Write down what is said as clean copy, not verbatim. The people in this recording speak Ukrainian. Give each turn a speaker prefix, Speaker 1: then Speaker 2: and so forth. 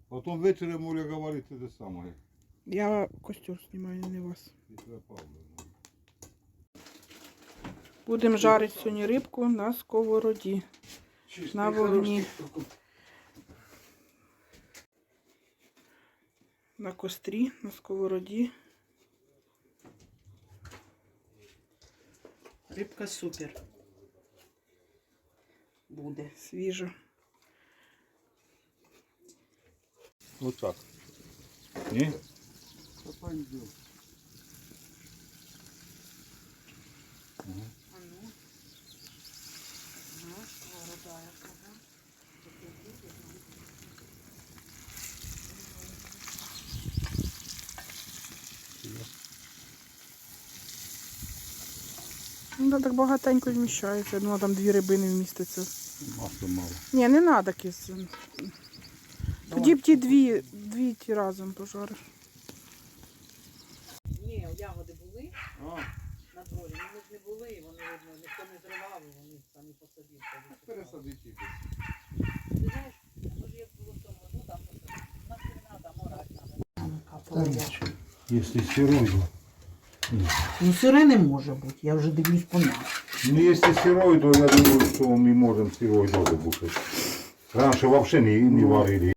Speaker 1: Потом вечером Оля говорит это самое.
Speaker 2: Я костер знімаю, не вас.
Speaker 1: Петра Павловна.
Speaker 2: Будемо жарити сьогодні рибку на сковороді. На вогні. На кострі, на сковороді.
Speaker 3: Рибка супер. Буде.
Speaker 2: Свіжа.
Speaker 1: Вот так. Не?
Speaker 3: А ну. Ага, сковорода яка.
Speaker 2: Ну, да, так багатенько вміщається. Я думала, там 2 рибини вміститься.
Speaker 1: Масла мало.
Speaker 2: Ні, не треба кис. Тоді б ті дві ті разом пожариш.
Speaker 3: Ні, ягоди були
Speaker 1: А,
Speaker 3: на дворі, ну ми ж не були, вони видно, ніхто не зривав, і вони самі по собі.
Speaker 1: пересадити.
Speaker 3: Ти знаєш, може як було в тому году, там у нас не треба, морать треба.
Speaker 1: Если сырой.
Speaker 3: Ну сире не може бути, я вже дивлюсь по нас.
Speaker 1: Ну, если сырой, то я думаю, что мы можем сырой тоже бушить. Раньше вообще не варили.